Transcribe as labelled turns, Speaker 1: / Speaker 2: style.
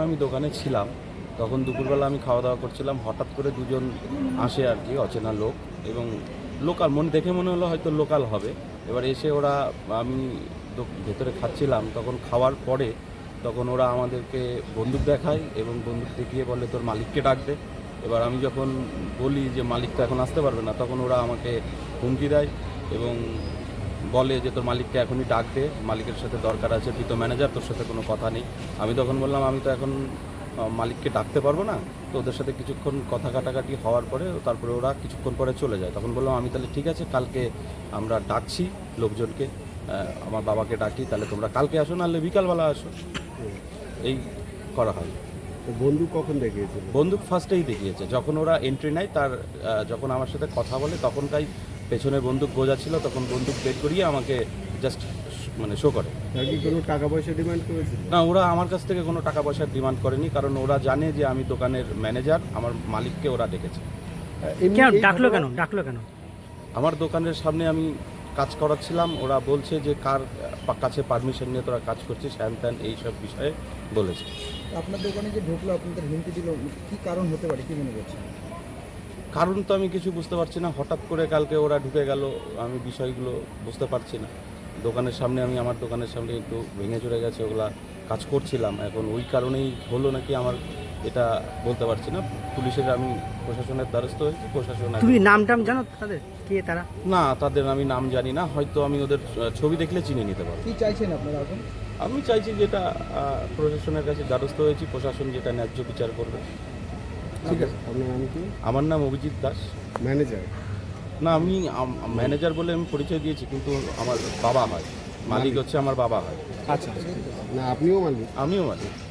Speaker 1: আমি দোকানে ছিলাম তখন দুপুরবেলা আমি খাওয়া দাওয়া করছিলাম, হঠাৎ করে দুজন আসে আর কি, অচেনা লোক, এবং লোকাল দেখে মনে হলো হয়তো লোকাল হবে। এবার এসে ওরা, আমি ভেতরে খাচ্ছিলাম, তখন খাওয়ার পরে তখন ওরা আমাদেরকে বন্দুক দেখায় এবং বন্দুক দেখিয়ে বলে তোর মালিককে ডাক দে। এবার আমি যখন বলি যে মালিক তো এখন আসতে পারবে না, তখন ওরা আমাকে হুমকি দেয় এবং বলে যে তোর মালিককে এখনই ডাক দে, মালিকের সাথে দরকার আছে, তুই তো ম্যানেজার, তোর সাথে কোনো কথা নেই। আমি তখন বললাম আমি তো এখন মালিককে ডাকতে পারবো না। তো ওদের সাথে কিছুক্ষণ কথা কাটাকাটি হওয়ার পরে তারপরে ওরা কিছুক্ষণ পরে চলে যায়। তখন বললাম আমি তাহলে ঠিক আছে, কালকে আমরা ডাকছি লোকজনকে, আমার বাবাকে ডাকি, তাহলে তোমরা কালকে আসো, নাহলে বিকালবেলা আসো। এই করা হয়।
Speaker 2: বন্দুক কখন দেখিয়েছিল?
Speaker 1: বন্দুক ফার্স্টেই দেখিয়েছে যখন ওরা এন্ট্রি নেয়, তার যখন আমার সাথে কথা বলে তখনটাই পেছনে বন্দুক গোজা ছিল, তখন বন্দুক বের করিয়ে আমাকে জাস্ট শো করে।
Speaker 2: তার কি কোনো টাকা পয়সা ডিমান্ড করেছিল?
Speaker 1: না, ওরা আমার কাছ থেকে কোনো টাকা পয়সার ডিমান্ড করেনি, কারণ ওরা জানে যে আমি দোকানের ম্যানেজার, আমার মালিককে ওরা ডেকেছে।
Speaker 3: কেন ডাকলো কেন?
Speaker 1: আমার দোকানের সামনে আমি কাজ করাচ্ছিলাম, ওরা বলছে যে কার কাছে পারমিশন নিয়ে তোরা কাজ করছিস, হ্যান ত্যান এইসব বিষয়ে বলেছে।
Speaker 4: আপনার দোকানে যে ঢুকলো, আপনাদের হুমকি দিল, কি কারণ হতে পারে, কি মনে করছেন?
Speaker 1: কারণ তো আমি কিছু বুঝতে পারছি না, হঠাৎ করে কালকে ওরা ঢুকে গেল, আমি বিষয়গুলো বুঝতে পারছি না। দোকানের সামনে আমি, আমার দোকানের সামনে একটু ভেঙে চলে গেছে, ওগুলা কাজ করছিলাম, এখন ওই কারণেই হলো নাকি আমার এটা বলতে পারছি না। পুলিশের, আমি প্রশাসনের দ্বারস্থ হয়েছি, প্রশাসন।
Speaker 3: তুমি নাম টাম জানো তাদের, কে তারা?
Speaker 1: না, তাদের আমি নাম জানি না, হয়তো আমি ওদের ছবি দেখলে চিনে নিতে পারবো।
Speaker 4: কি চাইছেন আপনারা এখন?
Speaker 1: আমি চাইছি যেটা প্রশাসনের কাছে দ্বারস্থ হয়েছি, প্রশাসন যেটা ন্যায্য বিচার করবে।
Speaker 2: ঠিক আছে, আপনার নাম কি?
Speaker 1: আমার নাম অভিজিৎ দাস।
Speaker 2: ম্যানেজার?
Speaker 1: না, আমি ম্যানেজার বলে আমি পরিচয় দিয়েছি, কিন্তু আমার বাবা হয়, মালিক হচ্ছে আমার বাবা হয়।
Speaker 2: আচ্ছা, না আপনিও মালিক?
Speaker 1: আমিও মালিক।